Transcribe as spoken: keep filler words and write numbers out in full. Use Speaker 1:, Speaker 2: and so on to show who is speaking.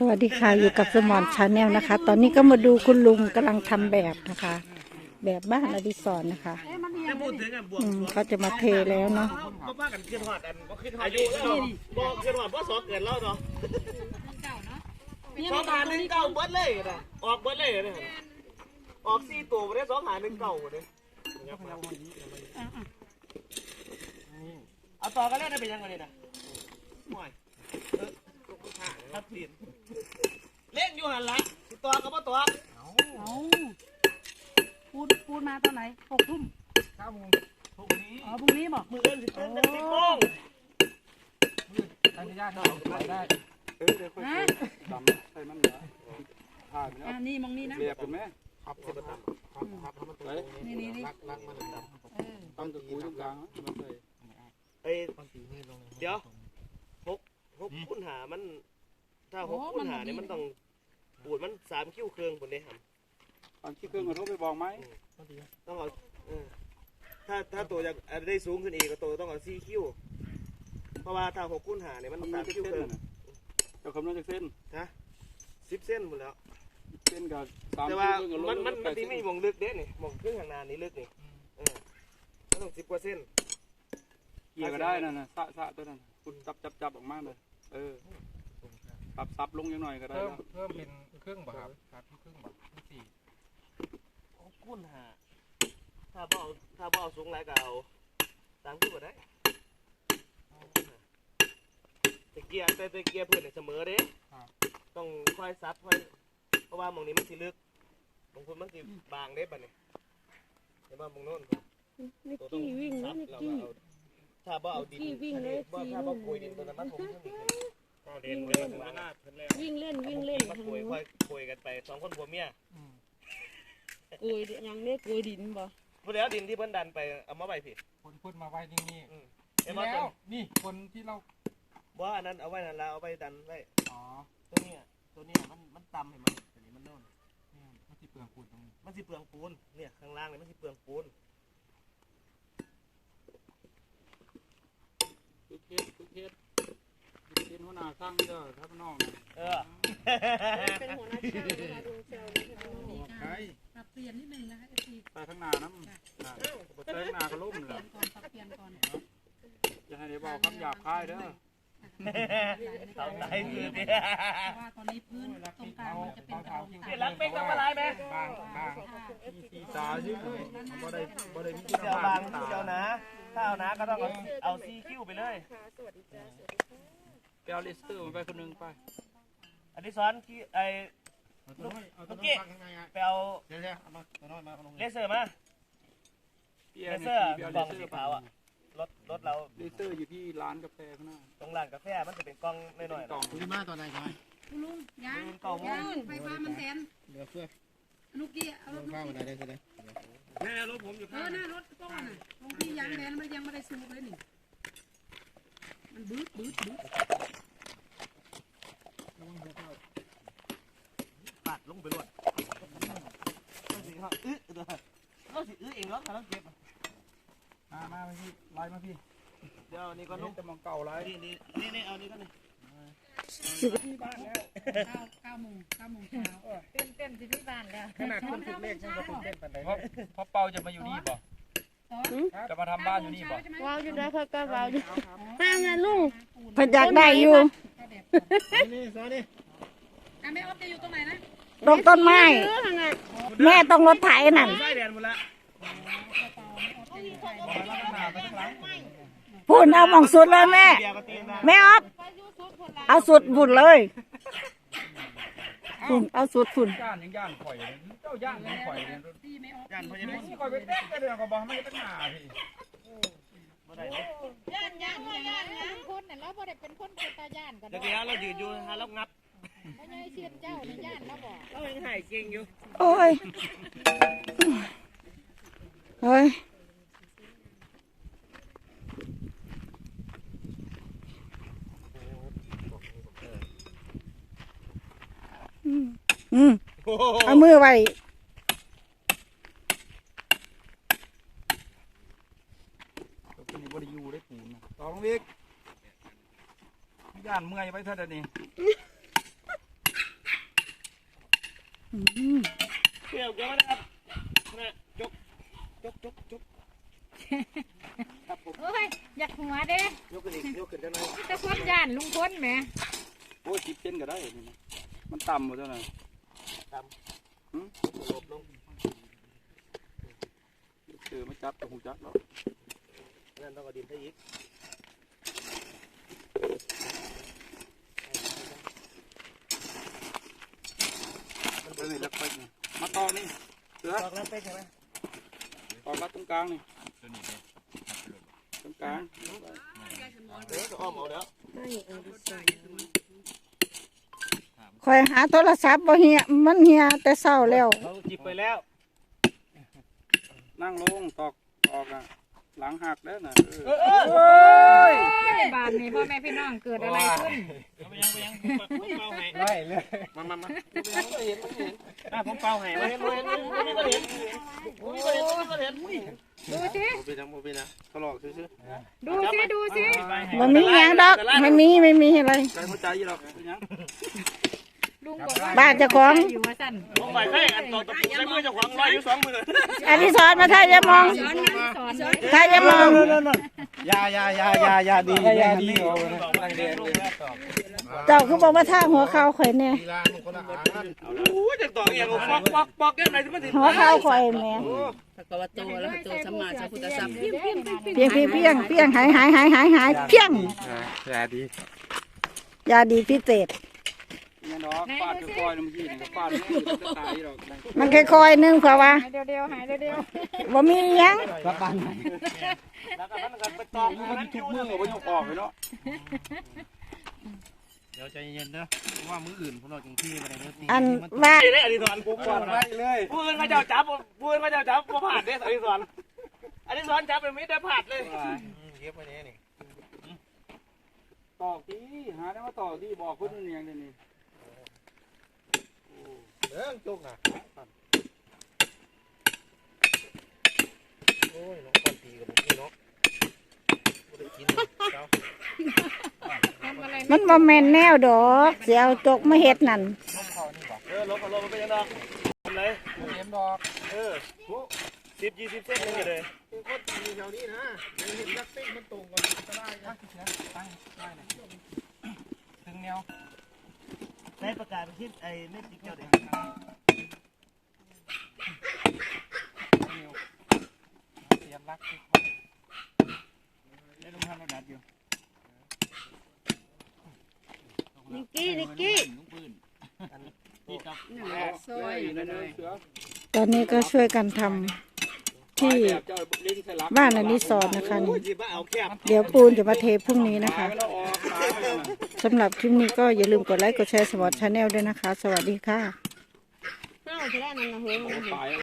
Speaker 1: วัสดีค่ะอยู่กับสมอนชาแนลนะคะตอนนี้ก็มาดูคุณลุงกำลังทำแบบนะคะ แบบบ้านอดิศรนะคะอืมเขาจะมาเทแล้วเนาะ
Speaker 2: ก็ว่ากันขึ้นหอดอันก็ขึ้นหอดอายุแล้วบอกขึ้นหอดเพราะสองเกิดแล้วเนาะสองหาหนึ่งเก่าเบิดเลยนะออกเบิดเลยนะออกสี่ตัวมาได้สองหาหนึ่งเก่าเลยเอาต่อกันแล้วได้เป็นยังไงเนี่ยนะห่วยเออครับเปลี่ยนเล่นอยู่หันละต่อกับว่าต่อเอา
Speaker 3: ปูนปูนมาตอนไหนหกทุ่ม
Speaker 2: เก้าโมงพรุ่งนี้
Speaker 3: อ๋อพรุ่งนี้บอก
Speaker 2: มือเล่นสิบเล่นสิบโมง
Speaker 4: ทางญาติเราไปได้เออเดี๋ยวค่อยดำใส่มันเหรอผ่านแล้ว
Speaker 3: อ่านี่มองนี่นะ
Speaker 4: เรียบเป็นไหม
Speaker 2: ครับสิบตันครับครับมันตัวนี่นี่นี่รักรักมันดำ
Speaker 4: ตั้งตะกูตรงกลางมันใส่
Speaker 2: เอ้เดี๋ยวหกหกคูณหามันถ้าหกคูณหาเนี่ยมันต้องปูดมันสามคิ้วเครื่องคนได้ทำ
Speaker 4: ตอนที่เครื่องมันต้องไปบอกไหม
Speaker 2: ต้องเอาถ้าถ้าตัวจะได้สูงขึ้นอีกก็ตัวต้องเอาสี่คิ้วเพราะว่าถ้าหกคูณหาเนี่ยมันสามคิ้วเครื่อง
Speaker 4: จะคำนวณจากเส้น
Speaker 2: นะสิบเส้นหมดแล้ว
Speaker 4: เส้นกับสาม
Speaker 2: แต่ว่ามันมันมันที่ไม่มองลึกเด้นี่มองเครื่องข้างหน้านี้ลึกนี่เออมันต้องสิบกว่าเส้น
Speaker 4: เกี่ยก็ได้นั่นนะสะสะตัวนั้นคุณจับจับจับออกมาเลยเออปรับซับลงยังหน่อยก็ได้
Speaker 5: เพิ่มเพิ่มเป็นเครื่องแบบครับเครื่องแบบสี่
Speaker 2: คูณหาถ้าบ่เอาถ้าบ่เอาสูงไรก็เอาตามที่บ่ได้ตะเกียร์แต่ตะเกียร์เพื่อนเสมอเด้ต้องค่อยซับค่อยเพราะว่ามองนี้มันสิลึกบางคนมันสิบางเด้ป่ะเนี่ยเห็นว่ามองโน่น
Speaker 1: นิกกี้วิ่งแล้วนิกกี้
Speaker 2: ถ้าบ่เอาดินบ่ถ้าบ่คุยดินตัวนั้นมันคงไม่มีวิ่งเล่น
Speaker 1: วิ่งเล่นวิ่งเล่น
Speaker 2: มาคุยค่อยคุยกันไปสองคนผัวเมีย
Speaker 1: กุยยังเรียกกุยดินบ่
Speaker 2: พอแล้วดินที่เพิ่นดันไปเอามาไว้ผิด
Speaker 5: คนพูดมาไว้นี่นี่
Speaker 2: แล้ว
Speaker 5: นี่คนที่เรา
Speaker 2: ว่าอันนั้นเอาไว้นั่นแล้วเอาไปดันไว้
Speaker 5: อ๋อ
Speaker 2: ตัวนี้ตัวนี้มันมันต่ำเห็นไหมตัวนี้มันโน่น
Speaker 5: มันสิเปลืองปูนตรงนี้
Speaker 2: มันสิเปลืองปูนเนี่ยข้างล่างเนี่ยมันสิเปลืองปูน
Speaker 4: ทุกเทสทุกเทสเป็นหัวหน้าสร้างเด้อครับน้อง
Speaker 2: เออ
Speaker 1: เป็นหัวหน้าช่างนะคะลุงเซลนะคะ
Speaker 4: ใช่
Speaker 3: ปรับเปลี่ยนนิดนึงนะคะที
Speaker 4: ไปข้างหน้าน้ำไปข้างหน้าก็ล้มเลย
Speaker 3: ก่อนปรับเปลี่ยนก่อน
Speaker 4: จะให้ได้บอกคำหยาบคายเด้อ
Speaker 2: ทำไรคือเนี่ย
Speaker 3: ว่าตอนนี้พื้นตรงกลางมันจะเป็นกระดอง
Speaker 2: เดี๋ยวหลังเป็นทำอะไรไหม
Speaker 4: บางบางที่ตาชื่อบ่ได้บ่ได้มี
Speaker 2: เจ้าบางเจ้านะถ้าเอานะก็ต้องเอาเอาซีคิ้วไปเลย
Speaker 1: สวัสดีจ้าสวัสดีค่ะ
Speaker 4: แกเอาเลสเตอร์ไปคนนึงไป
Speaker 2: อันนี้ซ้อนที่ไอ้ลูกเมื่อกี้ไปเอาเลเซอร์มาเลเซอร์กล่องสีขาวอ่ะรถรถเรา
Speaker 4: เลเซอร์อยู่ที่ร้านกาแฟข้างหน้า
Speaker 2: ตรงร้านกาแฟมันจะเป็นกล้องน้อยๆ
Speaker 4: กล่อง
Speaker 5: คุณมาตอนไหนครับ
Speaker 3: คุณลุงยางยางไฟฟ้ามันแทน
Speaker 5: เหลือเฟือ
Speaker 3: นุกกี้เอารถ
Speaker 5: ข้าวมาได้ได้เลย
Speaker 2: แม่รถผมอยู่
Speaker 3: ข้างหน้ารถก้อนน่ะตรงที่ยางแดนมันยังไม่ได้ซูบเลยนี่มันบื้อบื้อบื้อ
Speaker 2: ปัดลงไปรวดก็สิเขาอื้อเด้อก็สิอื้อเองแล้วเขาต้องเก็บ
Speaker 4: มามาพี่ไล่มาพี่
Speaker 2: เดี๋ยวนี่ก็นุ่ง
Speaker 4: จะมองเก่าไร
Speaker 2: นี่นี่นี่นี่เอานี่ก็นี่
Speaker 3: ที่บ้านแล้วเก้าเก้าโมงเก้าโมงเช้า
Speaker 1: เต้นเต้นที่บ้านแล้ว
Speaker 5: ขนาดคนถูกเลขยังก็ตื่นเต้นปานใด
Speaker 4: เพราะเพราะเปาจะมาอยู่นี่บ่จะมาทำบ้านอยู่นี่บ่
Speaker 1: ว้าวอยู่ได้เพื่อก็ว้าวอยู่ห้ามนะลุงเพิ่นอยากได้อยู่
Speaker 5: นี่ซอนี่
Speaker 3: แม่อ๊อฟจะอยู่ตรงไหนนะ
Speaker 1: ตรงต้นไม้แม่ต้องรถไถนั่นพูดเอาหม่องสุดเลยแม่แม่อ๊อฟเอาสุดบุญเลยฝุ่นเอาสุดฝุ่น
Speaker 4: ย่านยังย่านข่อยเจ้าย่านยังข่อย
Speaker 2: ย่านพญานาค
Speaker 4: ข่อยไปเต้นกันเรื่องก็บอกไม่เป็นหน้าพี่
Speaker 1: ย่านย่านย่านย่านคนเนี่ยเราบ่ได้เป็นคนเป็นตาย่านกัน
Speaker 2: เดี๋ยวเรายืนอยู่ฮะเรางับ
Speaker 1: ไม่ใช่เชียนเจ้าในย่านเราบอก
Speaker 2: เรายังหายเก่งอยู่
Speaker 1: โอ้ยเฮ้ยอืมอืมเอามือไว้
Speaker 4: ตัวนี้บริยูได้ปูนต่อลงอีกย่านเมื่อยไปเท่านี้
Speaker 1: อืม
Speaker 2: เกี่ยวเกี่ยวนะครับนะจกจกจกจกครับผม
Speaker 3: โอ้ยอยากหัวเด้
Speaker 2: ยกขึ้นอีกยกขึ้นได้ไหม
Speaker 3: ตะคนย่านลุงพลแหม
Speaker 4: โอ้ยสิบเซนก็ได้นี่นะมันต่ำหมดแล้วนะ
Speaker 2: ตามหืมหลบลง
Speaker 4: เจอมาจับกับหูจักแล้ว
Speaker 2: นั่นต้องกระดิ่งให้อีก
Speaker 4: มันเป็นเล็กไปนี่มาตอกนี่เสือ
Speaker 2: ตอกแล้วเป็นใช่ไหม
Speaker 4: ตอกรัดตรงกลางนี่ตรงกลาง
Speaker 2: เดี๋ยวจะอ้อมเอาเดี๋ยว
Speaker 1: คอยหาโทรศัพท์บ่เฮียมันเฮียแต่เศร้าแล้ว
Speaker 2: เราจิบไปแล้ว
Speaker 4: นั่งลงตอกตอกอ่ะหลังหักแล้วนะเออ
Speaker 2: เออเออ
Speaker 3: บ้านนี้พ่อแม่พี่น้องเกิดอะไรขึ้น
Speaker 2: ไปยังไปยังผมเป่าให้
Speaker 5: ไล่เลย
Speaker 2: มามามาไม่เห็นไม่เห็นอ่ะผมเป่าให้ไม่เห็นไม่เห็นไม่ก็เห็นไม่ก็เห็นไม่ก็เห็น
Speaker 3: ดูสิ
Speaker 5: โมบินะโมบินะทะเลาะซื้อ
Speaker 3: ดูสิดูสิ
Speaker 1: มันมีหยังดอกไม่มีไม่มีอะไร
Speaker 4: ใจหัวใจยี่หรอกเป็นยัง
Speaker 3: ลุงบอกว่า
Speaker 1: บ้านเจ้าของ
Speaker 3: อยู่ว่าสั่น
Speaker 2: ผมไปให้อันต่อตะปูใช้มือเจ้าของร้อยอยู่สองมือ
Speaker 1: อดิศรมาถ่ายยามอง
Speaker 3: สอนนะสอนเลย
Speaker 1: ถ่ายยามอง
Speaker 5: ยายายายายาดียาดี
Speaker 2: ตั้งเดียน
Speaker 1: เจ้าคือบอกว่าท่าหัวเข่าข่อยเนี่ย
Speaker 5: กีฬามันคนละอัน
Speaker 2: โอ้ยจะต่อเองปอกปอกปอกแก้มไหนถึงมันถึง
Speaker 1: หัวเข่าข่อยแหม่
Speaker 6: พระกวาโตอะระหะโตสัมมาสัมพุทธัสสะ
Speaker 1: เพียงเพียงเพียงเพียงเพียงหายหายหายหายหายเพียง
Speaker 5: ยาดี
Speaker 1: ยาดีพิเศษ
Speaker 4: ยังดอกฟาดคอยๆเมื่อกี้นี่ก็ฟาดไม่จะตายหรอก
Speaker 1: มันค่อยๆนึงเผื่อว่า
Speaker 3: หายเดียวๆหายเดียว
Speaker 1: บ่มีหยัง
Speaker 5: รับบ้านไหน
Speaker 2: แล้วก็มันก็ไปตอก
Speaker 4: มันทุกมือก็ไม่ยกออกเลยเนาะ
Speaker 5: เดี๋ยวใจเย็นนะว่ามืออื่นพวกเราจงที่ไปเลย
Speaker 1: อันว่า
Speaker 2: ไอ้เนี่ยอดิศรผมก่อน
Speaker 4: ไปเลย
Speaker 2: พูดมาเจ้าจับพูดมาเจ้าจับมาผ่านเนี่ยอดิศรอดิศรจับเป็นมิตรได้ผ่านเลย
Speaker 5: เก็บไว้นี่นี่
Speaker 4: ตอกที่หาได้มาตอกที่บอกคนนึงอย่างนี้
Speaker 5: เรื่องจุกนะโอ้ยน้องคนตีกับผมนี่เนาะไม่ได้กินเจ้า
Speaker 3: ๆทำอะไร
Speaker 1: มันบ่แม่นแนวดอกเสียเอาจกมาเฮ็ดนั่น
Speaker 2: เออลบลบมันเป็นยังไงทำไร
Speaker 5: เห็นดอก
Speaker 2: เออสิบยี่สิบเส้นนึงเลย
Speaker 5: เป็นคนตีแถวนี้นะเห็นยักษ์ติ้งมันตรงกันก็ได้นะตั้งได้เลยถึงแนว
Speaker 2: ใช้ประกาศคิดไอ้เม็ดติ๊กเจ้าเด็ก
Speaker 5: เสียบรัก
Speaker 2: ได้ลงทันระดับอยู่
Speaker 6: นิกกี้นิกกี้
Speaker 4: ซอยเลยเสือ
Speaker 1: ตอนนี้ก็ช่วยกันทำที่บ้านอดิศรนะคะนี่
Speaker 2: จีบเอาแคบ
Speaker 1: เดี๋ยวปูนจะมาเทพรุ่งนี้นะคะสำหรับคลิปนี้ก็อย่าลืมกดไลค์กดแชร์สมอร์ทชาแนลด้วยนะคะ สวัสดีค่ะ
Speaker 6: เอ้าจะได้นั่นนะเฮ้ย